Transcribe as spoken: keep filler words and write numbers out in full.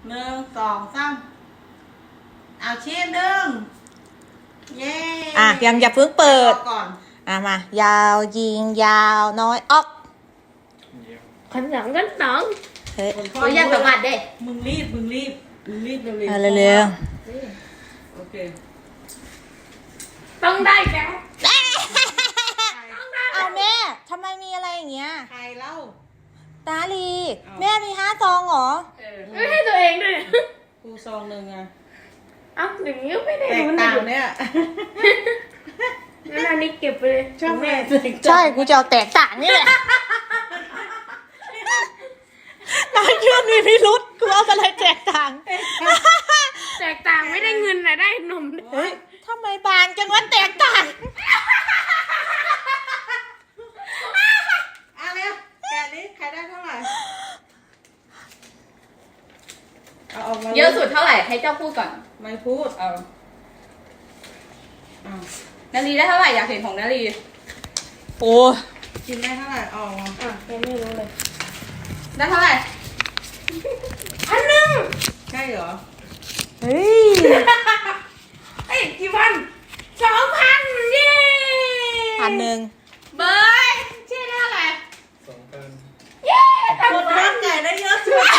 หนึ่งสองสามเอาชิ้นหนึ่งเย้อ่ะยังอย่าเพิ่งเปิดก่อนอ่ะมายาวยิงยาวน้อยออกขันหลังกันหนังเฮ้ยตัวอย่างสมัดเด้มึงรีบมึงรีบมึงรีบเร็วๆเอาเร็วโอเคต้องได้แกเอาแม่ทำไมมีอะไรอย่างเงี้ยใครเล่าตาลีแม่มีห้าซองเหรอไม่ให้ตัวเองด้วยกูซองหนึ่งอะอ้าวอย่างนี้ไม่ได้แตกรู้ต่างเนี่ยงั้นอันนี้เก็บไปเลยชอบแม่ใช่กูจะเอาแตกต่างนี่แหละนายเชื่อมีพิรุษกูเอาอะไรแตกต่างแตกต่างไม่ได้เงินแต่ได้นมเฮ้ยทำไมบางจังวะแตกต่างเอาเร็วแกะนี้ใครได้เท่าไหร่เอาออกมาเยอะสุดเท่าไหร่ให้เจ้าพูดก่อนไม่พูดเอาเอานาลีได้เท่าไหร่อยากเห็นของนาลีโอ้กินได้เท่าไหร่เอามาอ่ะยังไม่รู้เลยได้เท่าไหร่พันหนึ่งใช่เหรอเฮ้ยเอ้ยกี่พันสองพันเย้พันหนึ่งเบย์ชื่อได้เท่าไหร่สองพันเย้คนบ้านไก่ได้เยอะสุด